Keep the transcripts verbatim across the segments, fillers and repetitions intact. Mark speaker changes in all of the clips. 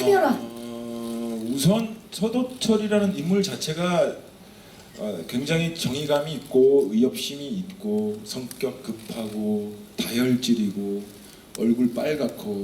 Speaker 1: 차별화.
Speaker 2: 어, 우선 서도철이라는 인물 자체가 어, 굉장히 정의감이 있고 의협심이 있고 성격 급하고 다혈질이고 얼굴 빨갛고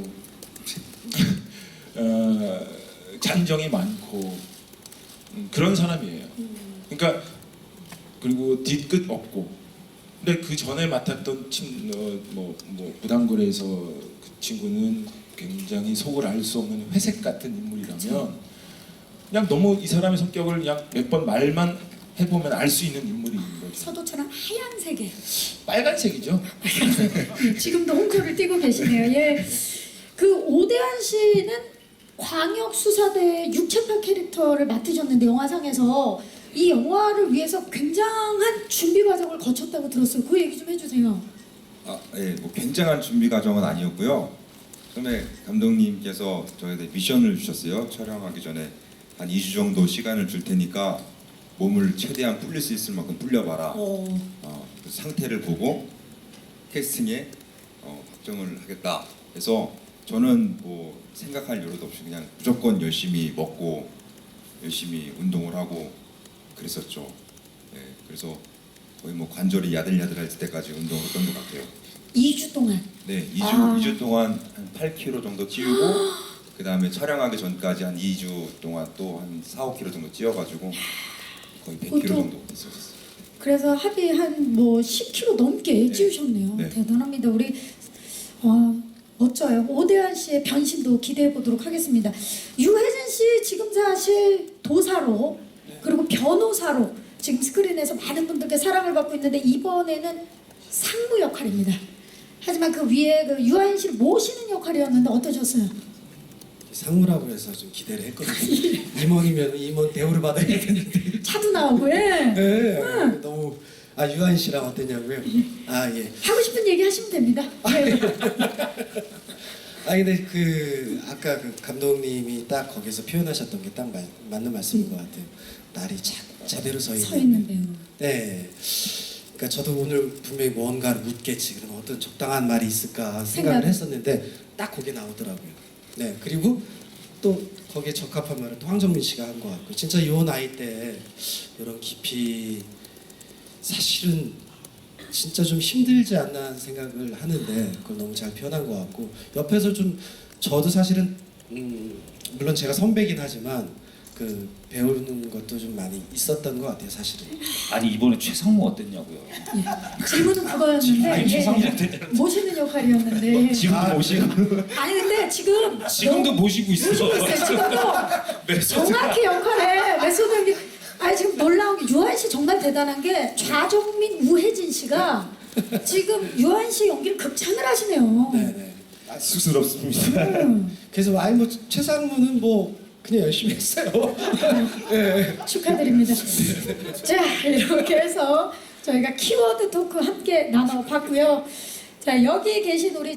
Speaker 2: 어, 잔정이 많고 음, 그런 사람이에요. 그러니까 그리고 뒤끝 없고. 근데 그 전에 맡았던 친, 어, 뭐, 뭐 부당거래에서 그 친구는 굉장히 속을 알 수 없는 회색 같은 인물이라면
Speaker 1: 그쵸.
Speaker 2: 그냥 너무 이 사람의 성격을 그냥 몇 번 말만 해보면 알 수 있는 인물인 거죠.
Speaker 1: 서도처럼 하얀색에
Speaker 2: 빨간색이죠.
Speaker 1: 지금도 홍조를 띄고 계시네요. 예. 그 오대환 씨는 광역 수사대 육체파 캐릭터를 맡으셨는데 영화상에서 이 영화를 위해서 굉장한 준비 과정을 거쳤다고 들었어요. 그 얘기 좀 해주세요.
Speaker 3: 아, 예, 뭐 굉장한 준비 과정은 아니었고요. 처음에 감독님께서 저희한테 미션을 주셨어요. 촬영하기 전에 한 이 주 정도 시간을 줄 테니까 몸을 최대한 불릴 수 있을 만큼 불려봐라.
Speaker 1: 어.
Speaker 3: 어, 그 상태를 보고 캐스팅에 어, 확정을 하겠다. 그래서 저는 뭐 생각할 여유도 없이 그냥 무조건 열심히 먹고 열심히 운동을 하고 그랬었죠. 네, 그래서 거의 뭐 관절이 야들야들할 때까지 운동을 했던 것 같아요.
Speaker 1: 이 주 동안.
Speaker 3: 네, 이 주
Speaker 1: 아.
Speaker 3: 이 주 동안 한 팔 킬로그램 정도 찌우고 그 다음에 촬영하기 전까지 한 이 주 동안 또 한 사, 오 킬로그램 정도 찌어가지고 거의 백 킬로그램 정도 있었어요.
Speaker 1: 그래서 합의 한 뭐 십 킬로그램 넘게
Speaker 3: 네.
Speaker 1: 찌우셨네요.
Speaker 3: 네.
Speaker 1: 대단합니다. 우리 어, 멋져요. 오대환 씨의 변신도 기대해 보도록 하겠습니다. 유해진 씨 지금 사실 도사로 그리고 변호사로 지금 스크린에서 많은 분들께 사랑을 받고 있는데 이번에는 상무 역할입니다. 하지만 그 위에 그 유아인 씨를 모시는 역할이었는데 어떠셨어요?
Speaker 4: 상무라고 해서 좀 기대를 했거든요. 임원이면 임원 대우를 받아야 되는데.
Speaker 1: 차도 나오고 예.
Speaker 4: 네, 너무 아 유한 씨랑 어땠냐고요? 아 예.
Speaker 1: 하고 싶은 얘기 하시면 됩니다. 예.
Speaker 4: 아 근데 그 아까 그 감독님이 딱 거기서 표현하셨던 게 딱 맞는 말씀인 것 같아요. 날이 자, 제대로 서 있는.
Speaker 1: 서 있는 배우.
Speaker 4: 네. 그러니까 저도 오늘 분명히 뭔가를 묻겠지. 그럼 어떤 적당한 말이 있을까 생각을
Speaker 1: 생각.
Speaker 4: 했었는데 딱 거기에 나오더라고요. 네. 그리고 또 거기에 적합한 말은 또 황정민 씨가 한 것 같고 진짜 요 나이 때 이런 깊이 사실은 진짜 좀 힘들지 않나 하는 생각을 하는데 그걸 너무 잘 표현한 것 같고 옆에서 좀 저도 사실은 음 물론 제가 선배긴 하지만 그 배우는 것도 좀 많이 있었던 것 같아요 사실은.
Speaker 5: 아니 이번에 최상무 어땠냐고요?
Speaker 1: 예. 질문은 그거였는데
Speaker 5: 아니
Speaker 1: 예.
Speaker 5: 최상무 어땠냐고.
Speaker 1: 모시는 역할이었는데
Speaker 5: 지금도 모시고
Speaker 1: 아니 근데 지금
Speaker 5: 지금도
Speaker 1: 너무
Speaker 5: 모시고 있어.
Speaker 1: 모시고 있어요. 지금도
Speaker 5: 메소드가.
Speaker 1: 정확히 역할에 메소드 연기. 아니 지금 놀라운 게 유한 씨 정말 대단한 게 좌정민, 우혜진 씨가 지금 유한 씨 연기를 극찬을 하시네요.
Speaker 4: 네네.
Speaker 3: 아, 쑥스럽습니다.
Speaker 1: 음,
Speaker 4: 그래서 아니 뭐 최상무는 뭐 그냥 열심히 했어요. 네.
Speaker 1: 축하드립니다. 자 이렇게 해서 저희가 키워드 토크 함께 나눠봤고요. 자 여기 계신 우리